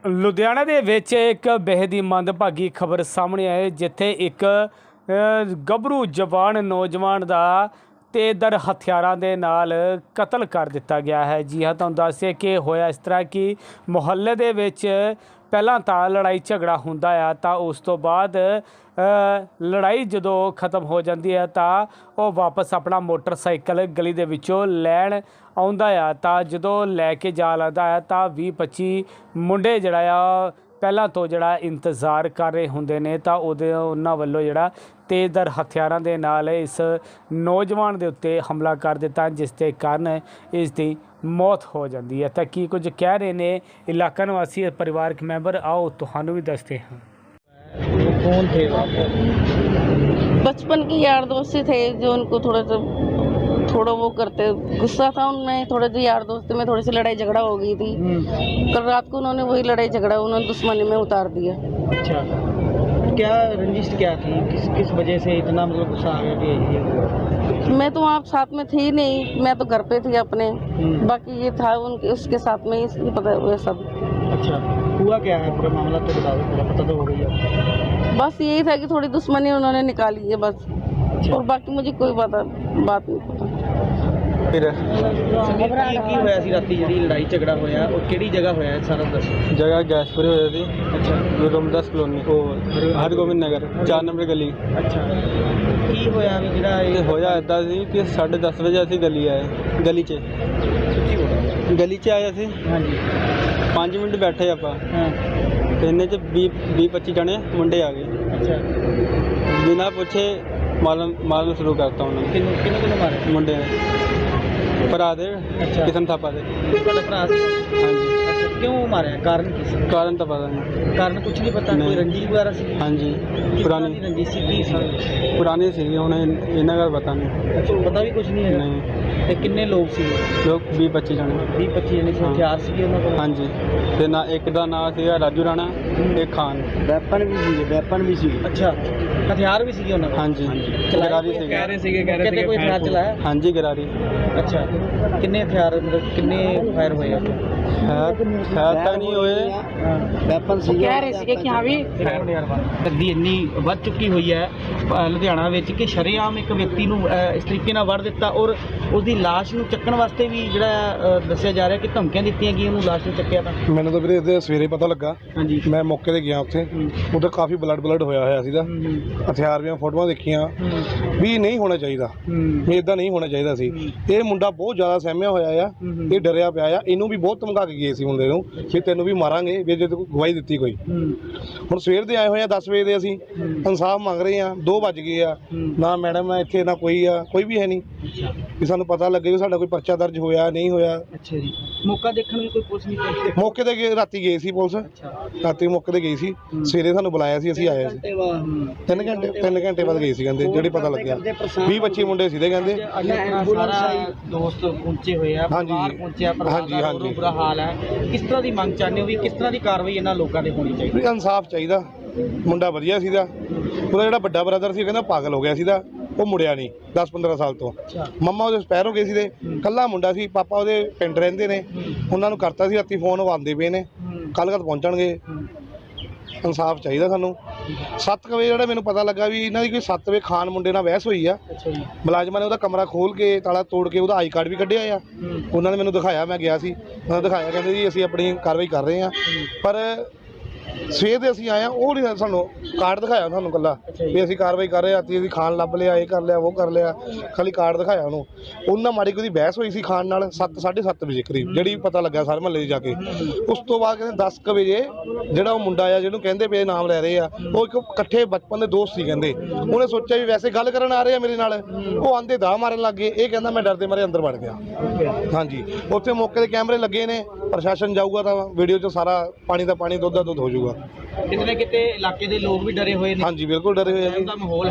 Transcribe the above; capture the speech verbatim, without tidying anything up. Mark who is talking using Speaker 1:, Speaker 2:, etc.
Speaker 1: ਲੁਧਿਆਣਾ ਦੇ ਵਿੱਚ ਇੱਕ ਬੇਹੱਦ ਹੀ ਮੰਦਭਾਗੀ ਖਬਰ ਸਾਹਮਣੇ ਆਈ, ਜਿੱਥੇ ਇੱਕ ਗੱਭਰੂ ਜਵਾਨ ਨੌਜਵਾਨ ਦਾ ਤੇਜ਼ਧਾਰ ਹਥਿਆਰਾਂ ਦੇ ਨਾਲ ਕਤਲ ਕਰ ਦਿੱਤਾ ਗਿਆ ਹੈ। ਜੀ ਹਾਂ, ਤੁਹਾਨੂੰ ਦੱਸਿਆ ਕਿ ਹੋਇਆ ਇਸ ਤਰ੍ਹਾਂ ਕਿ ਮੁਹੱਲੇ ਦੇ ਵਿੱਚ ਪਹਿਲਾਂ ਤਾਂ ਲੜਾਈ ਝਗੜਾ ਹੁੰਦਾ ਆ, ਤਾਂ ਉਸ ਤੋਂ ਬਾਅਦ ਲੜਾਈ ਜਦੋਂ ਖਤਮ ਹੋ ਜਾਂਦੀ ਹੈ ਤਾਂ ਉਹ ਵਾਪਸ ਆਪਣਾ ਮੋਟਰਸਾਈਕਲ ਗਲੀ ਦੇ ਵਿੱਚੋਂ ਲੈਣ ਆਉਂਦਾ ਆ। ਤਾਂ ਜਦੋਂ ਲੈ ਕੇ ਜਾ ਲੱਗਦਾ ਹੈ ਤਾਂ ਵੀਹ ਪੱਚੀ ਮੁੰਡੇ ਜਿਹੜਾ ਆ ਪਹਿਲਾਂ ਤੋਂ ਜਿਹੜਾ ਇੰਤਜ਼ਾਰ ਕਰ ਰਹੇ ਹੁੰਦੇ ਨੇ, ਤਾਂ ਉਹਦੇ ਉਹਨਾਂ ਵੱਲੋਂ ਜਿਹੜਾ ਤੇਜ਼ਧਾਰ ਹਥਿਆਰਾਂ ਦੇ ਨਾਲ ਇਸ ਨੌਜਵਾਨ ਦੇ ਉੱਤੇ ਹਮਲਾ ਕਰ ਦਿੱਤਾ, ਜਿਸ ਦੇ ਕਾਰਨ ਇਸ ਦੀ ਮੌਤ ਹੋ ਜਾਂਦੀ ਹੈ। ਤਾਂ ਕੀ ਕੁਝ ਕਹਿ ਰਹੇ ਨੇ ਇਲਾਕਾ ਨਿਵਾਸੀ ਪਰਿਵਾਰਕ ਮੈਂਬਰ, आओ ਤੁਹਾਨੂੰ भी दसते हैं।
Speaker 2: कौन थे
Speaker 3: बचपन के यार दोस्त थे जो उनको थोड़ा सा थोड़ा वो करते, गुस्सा था उनमें, थोड़े से यार दोस्ती में थोड़ी सी लड़ाई झगड़ा हो गई थी। कल रात को उन्होंने वही लड़ाई झगड़ा उन्होंने दुश्मनी में उतार दिया।
Speaker 2: अच्छा, क्या रंजिश क्या थी, किस किस वजह से इतना मतलब गुस्सा आ गया कि ये?
Speaker 3: मैं तो वहाँ साथ में थी नहीं, मैं तो घर पे थी अपने, बाकी ये था उनके उसके साथ में ही पता हुआ सब।
Speaker 2: अच्छा, हुआ क्या है पूरा मामला तो बता दो, पूरा पता तो हो गई है।
Speaker 3: बस यही था कि थोड़ी दुश्मनी उन्होंने निकाली है बस। अच्छा। और बाकी मुझे कोई पता बात नहीं पता।
Speaker 2: फिर की होया सी राती ਜਿਹੜੀ ਲੜਾਈ ਝਗੜਾ ਹੋਇਆ ਉਹ ਕਿਹੜੀ ਜਗ੍ਹਾ ਹੋਇਆ ਸਾਰਾ ਦੱਸੋ।
Speaker 4: जगह गैसपुरी होया थी।
Speaker 2: अच्छा,
Speaker 4: रोमदास कॉलोनी ओ हरगोबिंद नगर चार नंबर गली।
Speaker 2: अच्छा, ਕੀ ਹੋਇਆ ਵੀ ਜਿਹੜਾ
Speaker 4: ਤੇ
Speaker 2: ਇਹ
Speaker 4: ਹੋਇਆ ਇੱਦਾਂ ਸੀ ਕਿ ਸਾਢੇ ਦਸ ਵਜੇ ਅਸੀਂ ਗਲੀ ਆਏ, ਗਲੀ 'ਚ
Speaker 2: ਸੱਚੀ ਹੋਇਆ?
Speaker 4: ਗਲੀ 'ਚ ਆਏ ਅਸੀਂ
Speaker 2: ਹਾਂਜੀ,
Speaker 4: ਪੰਜ ਮਿੰਟ ਬੈਠੇ ਆਪਾਂ,
Speaker 2: ਹਾਂ,
Speaker 4: ਤੇ ਇੰਨੇ 'ਚ ਵੀਹ ਵੀਹ ਪੱਚੀ ਜਣੇ ਮੁੰਡੇ ਆ ਗਏ,
Speaker 2: ਅੱਛਾ,
Speaker 4: ਬਿਨਾਂ ਪੁੱਛੇ ਮਾਰਨ ਮਾਰਨ ਸ਼ੁਰੂ ਕਰਤਾ ਉਹਨਾਂ ਨੇ।
Speaker 2: ਕਿੰਨੂੰ ਕਿੰਨੂੰ ਕਿੰਨੂੰ ਮਾਰਿਆ?
Speaker 4: ਮੁੰਡੇ ਨੇ ਭਰਾ ਦੇ
Speaker 2: ਅੱਛਾ।
Speaker 4: ਕਿਸਨ ਥਾਪਾ ਦੇ।
Speaker 2: ਤੁਹਾਡਾ ਭਰਾ ਸੀ?
Speaker 4: ਹਾਂਜੀ,
Speaker 2: ਅੱਛਾ, ਕਿਉਂ ਮਾਰਿਆ, ਕਾਰਨ ਕੀ ਸੀ?
Speaker 4: ਕਾਰਨ ਤਾਂ ਪਤਾ ਨਹੀਂ।
Speaker 2: ਕਾਰਨ ਕੁਝ ਨਹੀਂ ਪਤਾ,
Speaker 4: ਨਹੀਂ।
Speaker 2: ਕੋਈ ਰੰਜਿਸ਼ ਵਗੈਰਾ ਸੀ?
Speaker 4: ਹਾਂਜੀ,
Speaker 2: ਪੁਰਾਣੀ
Speaker 4: ਪੁਰਾਣੀ
Speaker 2: ਰੰਜਿਸ਼ ਸੀ, ਕੀ ਸੀ?
Speaker 4: ਪੁਰਾਣੀ ਸੀਗੀ, ਹੁਣ ਇਹ- ਇਹਨਾਂ ਦਾ ਪਤਾ ਨਹੀਂ।
Speaker 2: ਅੱਛਾ, ਪਤਾ ਵੀ ਕੁਝ ਨਹੀਂ ਹੈਗਾ?
Speaker 4: ਨਹੀਂ,
Speaker 2: ਤੇ ਕਿੰਨੇ ਲੋਕ ਸੀ?
Speaker 4: ਲੋਕ ਵੀਹ ਪੱਚੀ ਜਣੇ।
Speaker 2: ਵੀਹ ਪੱਚੀ ਜਣੇ ਸੀ।
Speaker 4: ਹਾਂ।
Speaker 2: ਹਥਿਆਰ ਸੀਗੇ ਉਹਨਾਂ ਕੋਲ?
Speaker 4: ਹਾਂਜੀ, ਤੇ ਨਾ ਇੱਕ ਦਾ ਨਾਂ ਸੀਗਾ ਰਾਜੂ ਰਾਣਾ, ਇੱਕ ਖਾਨ।
Speaker 2: ਵੈਪਨ ਵੀ ਸੀਗੇ? ਵੈਪਨ ਵੀ ਸੀਗੇ, ਅੱਛਾ, ਹਥਿਆਰ ਵੀ ਸੀਗੇ ਉਹਨਾਂ ਕੋਲ?
Speaker 4: ਹਾਂਜੀ,
Speaker 2: ਚਲਾਏ?
Speaker 4: ਗਰਾਰੀ ਸੀਗੇ।
Speaker 2: ਕਹਿ ਰਹੇ ਸੀਗੇ ਕਹਿ ਰਹੇ ਸੀਗੇ ਕੋਈ ਹਥਿਆਰ ਚਲਾਇਆ?
Speaker 4: ਹਾਂਜੀ, ਗਰਾਰੀ
Speaker 2: ਅੱਛਾ, ਕਿੰਨੇ ਹਥਿਆਰ ਮਤਲਬ ਕਿੰਨੇ ਫਾਇਰ ਹੋਏ ਆ?
Speaker 4: ਹੈ ਹੈ ਤਾਂ ਨਹੀਂ ਹੋਏ।
Speaker 2: ਵੈਪਨ ਸੀ
Speaker 3: ਕਹਿ ਰਹੇ ਸੀਗੇ ਕਿ ਹਾਂ ਵੀ
Speaker 2: ਗੱਡੀ ਇੰਨੀ ਵੱਧ ਚੁੱਕੀ ਹੋਈ ਹੈ ਅ, ਲੁਧਿਆਣਾ ਵਿੱਚ ਕਿ ਸ਼ਰੇਆਮ ਇੱਕ ਵਿਅਕਤੀ ਨੂੰ ਅ, ਇਸ ਤਰੀਕੇ ਨਾਲ ਵੜ ਦਿੱਤਾ, ਔਰ ਉਹਦੀ ਲਾਸ਼ ਨੂੰ ਚੱਕਣ ਵਾਸਤੇ ਵੀ ਜਿਹੜਾ ਅ, ਦੱਸਿਆ ਜਾ ਰਿਹਾ ਕਿ ਧਮਕੀਆਂ ਦਿੱਤੀਆਂ ਗਈਆਂ ਉਹਨੂੰ ਲਾਸ਼ ਨੂੰ ਚੱਕਿਆ ਤਾਂ।
Speaker 5: ਮੈਨੂੰ ਤਾਂ ਵੀਰੇ ਇਹਦੇ ਸਵੇਰੇ ਪਤਾ ਲੱਗਾ,
Speaker 2: ਹਾਂਜੀ,
Speaker 5: ਮੈਂ ਮੌਕੇ ਤੇ ਗਿਆ ਉੱਥੇ, ਉਧਰ ਕਾਫੀ ਬਲੱਡ ਬਲੱਡ ਹੋਇਆ ਹੋਇਆ ਸੀਗਾ, ਹਥਿਆਰ ਦੀਆਂ ਫੋਟੋਆਂ ਦੇਖੀਆਂ ਵੀ ਨਹੀਂ ਹੋਣਾ ਚਾਹੀਦਾ, ਵੀ ਇਦਾਂ ਨਹੀਂ ਹੋਣਾ ਚਾਹੀਦਾ ਸੀ। ਇਹ ਮੁੰਡਾ ਬਹੁਤ ਜ਼ਿਆਦਾ ਸਹਿਮਿਆ ਹੋਇਆ ਆ, ਇਹ ਡਰਿਆ ਪਿਆ ਆ, ਇਹਨੂੰ ਵੀ ਬਹੁਤ ਧਮਕਾ ਕੇ ਗਏ ਸੀ ਮੁੰਡੇ ਨੂੰ ਵੀ ਤੈਨੂੰ ਵੀ ਮਾਰਾਂਗੇ ਵੀ ਜੇ ਤੂੰ ਗਵਾਹੀ ਦਿੱਤੀ ਕੋਈ। ਹੁਣ ਸਵੇਰ ਦੇ ਆਏ ਹੋਏ ਆ ਦਸ ਵਜੇ ਦੇ, ਅਸੀਂ ਇਨਸਾਫ ਮੰਗ ਰਹੇ ਆ, ਦੋ ਵੱਜ ਗਏ ਆ, ਨਾ ਮੈਡਮ ਆ ਇੱਥੇ, ਨਾ ਕੋਈ ਆ, ਕੋਈ ਵੀ ਹੈ ਨਹੀਂ ਵੀ ਸਾਨੂੰ ਪਤਾ ਲੱਗੇ ਵੀ ਸਾਡਾ ਕੋਈ ਪਰਚਾ ਦਰਜ ਹੋਇਆ ਨਹੀਂ ਹੋਇਆ।
Speaker 2: ਅੱਛਾ ਜੀ, ਮੌਕਾ ਦੇਖਣ ਵੀ ਕੋਈ ਪੁਲਿਸ ਨਹੀਂ ਪਹੁੰਚੀ?
Speaker 5: ਮੌਕੇ ਤੇ ਗਏ, ਰਾਤੀ ਗਏ ਸੀ ਪੁਲਿਸ, ਰਾਤੀ ਮੌਕੇ ਤੇ ਗਈ ਸੀ, ਸਵੇਰੇ ਸਾਨੂੰ ਬੁਲਾਇਆ ਸੀ, ਅਸੀਂ ਆਏ ਸੀ। ਤਿੰਨ ਘੰਟੇ ਤਿੰਨ ਘੰਟੇ ਬਾਅਦ ਗਏ ਸੀ ਕਹਿੰਦੇ, ਜਿਹੜੇ ਪਤਾ ਲੱਗਿਆ ਵੀਹ ਪੱਚੀ ਮੁੰਡੇ ਸੀਗੇ ਕਹਿੰਦੇ।
Speaker 2: ਅੱਜ ਆਪਣਾ ਸਾਰਾ ਦੋਸਤ ਪਹੁੰਚੇ ਹੋਏ ਆ,
Speaker 5: ਹਾਂਜੀ।
Speaker 2: ਪਰਿਵਾਰ ਪਹੁੰਚਿਆ, ਪਰਿਵਾਰ
Speaker 5: ਹਾਂਜੀ,
Speaker 2: ਦਾ
Speaker 5: ਹਾਂਜੀ।
Speaker 2: ਬਹੁਤ ਬੁਰਾ ਹਾਲ ਹੈ। ਕਿਸ ਤਰ੍ਹਾਂ ਦੀ ਮੰਗ ਚਾਹੁੰਦੇ ਹੋ ਵੀ ਕਿਸ ਤਰ੍ਹਾਂ ਦੀ ਕਾਰਵਾਈ ਇਹਨਾਂ ਲੋਕਾਂ 'ਤੇ ਹੋਣੀ ਚਾਹੀਦੀ?
Speaker 5: ਵੀ ਇਨਸਾਫ ਚਾਹੀਦਾ, ਮੁੰਡਾ ਵਧੀਆ ਸੀਗਾ, ਉਹਦਾ ਜਿਹੜਾ ਵੱਡਾ ਬ੍ਰਦਰ ਸੀ ਉਹ ਕਹਿੰਦਾ ਪਾਗਲ ਹੋ ਗਿਆ ਸੀਗਾ, ਉਹ ਮੁੜਿਆ ਨਹੀਂ ਦਸ ਪੰਦਰਾਂ ਸਾਲ ਤੋਂ। ਮੰਮਾ ਉਹਦੇ ਐਕਸਪਾਇਰ ਹੋ ਗਏ ਸੀ, ਤੇ ਕੱਲਾ ਮੁੰਡਾ ਸੀ, ਪਾਪਾ ਉਹਦੇ ਪਿੰਡ ਰਹਿੰਦੇ ਨੇ, ਉਹਨਾਂ ਨੂੰ ਕਰਤਾ ਸੀ, ਰਾਤੀ ਫੋਨ ਆਉਂਦੇ ਪਏ ਨੇ, ਕੱਲ੍ਹ ਕੱਲ੍ਹ ਪਹੁੰਚਣਗੇ। ਇਨਸਾਫ ਚਾਹੀਦਾ ਸਾਨੂੰ। ਸੱਤ ਕੁ ਵਜੇ ਜਿਹੜਾ ਮੈਨੂੰ ਪਤਾ ਲੱਗਾ ਵੀ ਇਹਨਾਂ ਦੀ ਕੋਈ ਸੱਤ ਵਜੇ ਖਾਨ ਮੁੰਡੇ ਨਾਲ ਬਹਿਸ ਹੋਈ ਆ, ਮੁਲਾਜ਼ਮਾਂ ਨੇ ਉਹਦਾ ਕਮਰਾ ਖੋਲ੍ਹ ਕੇ ਤਾਲਾ ਤੋੜ ਕੇ ਉਹਦਾ ਆਈ ਕਾਰਡ ਵੀ ਕੱਢਿਆ ਆ, ਉਹਨਾਂ ਨੇ ਮੈਨੂੰ ਦਿਖਾਇਆ, ਮੈਂ ਗਿਆ ਸੀ, ਉਹਨਾਂ ਨੇ ਦਿਖਾਇਆ, ਕਹਿੰਦੇ ਜੀ ਅਸੀਂ ਆਪਣੀ ਕਾਰਵਾਈ ਕਰ ਰਹੇ ਹਾਂ, ਪਰ ਸਵੇਰ ਦੇ ਅਸੀਂ ਆਏ ਹਾਂ, ਉਹ ਨਹੀਂ ਸਾਨੂੰ ਕਾਰਡ ਦਿਖਾਇਆ ਸਾਨੂੰ ਇਕੱਲਾ ਵੀ ਅਸੀਂ ਕਾਰਵਾਈ ਕਰ ਰਹੇ ਹਾਂ, ਅਸੀਂ ਖਾਣ ਲੱਭ ਲਿਆ, ਇਹ ਕਰ ਲਿਆ, ਉਹ ਕਰ ਲਿਆ, ਖਾਲੀ ਕਾਰਡ ਦਿਖਾਇਆ ਉਹਨੂੰ। ਉਹਨਾਂ ਮਾੜੀ ਕੋਈ ਬਹਿਸ ਹੋਈ ਸੀ ਖਾਣ ਨਾਲ ਸੱਤ ਸਾਢੇ ਸੱਤ ਵਜੇ ਕਰੀਬ, ਜਿਹੜੀ ਪਤਾ ਲੱਗਾ ਸਾਰੇ ਮਹੱਲੇ 'ਚ ਜਾ ਕੇ। ਉਸ ਤੋਂ ਬਾਅਦ ਕਹਿੰਦੇ ਦਸ ਕੁ ਵਜੇ ਜਿਹੜਾ ਉਹ ਮੁੰਡਾ ਆ ਜਿਹਨੂੰ ਕਹਿੰਦੇ ਪਏ ਨਾਮ ਲੈ ਰਹੇ ਆ, ਉਹ ਇੱਕ ਇਕੱਠੇ ਬਚਪਨ ਦੇ ਦੋਸਤ ਸੀ ਕਹਿੰਦੇ, ਉਹਨੇ ਸੋਚਿਆ ਵੀ ਵੈਸੇ ਗੱਲ ਕਰਨ ਆ ਰਹੇ ਆ ਮੇਰੇ ਨਾਲ, ਉਹ ਆਂਦੇ ਦਾ ਮਾਰਨ ਲੱਗ ਗਏ। ਇਹ ਕਹਿੰਦਾ ਮੈਂ ਡਰਦੇ ਮਾਰੇ ਅੰਦਰ ਵੜ ਗਿਆ। ਹਾਂਜੀ, ਉੱਥੇ ਮੌਕੇ ਦੇ ਕੈਮਰੇ ਲੱਗੇ ਨੇ, ਪ੍ਰਸ਼ਾਸਨ ਜਾਊਗਾ ਤਾਂ ਵੀਡੀਓ 'ਚ ਸਾਰਾ ਪਾਣੀ ਦਾ ਪਾਣੀ, ਦੁੱਧ ਦਾ ਦੁੱਧ ਹੋ ਜਾਊਗਾ।
Speaker 2: ਕਿਤੇ ਨਾ ਕਿਤੇ ਇਲਾਕੇ ਦੇ ਲੋਕ ਵੀ ਡਰੇ ਹੋਏ ਨੇ।
Speaker 5: ਹਾਂਜੀ, ਬਿਲਕੁਲ ਡਰੇ ਹੋਏ ਆ ਜੀ।
Speaker 2: ਦਾ ਮਾਹੌਲ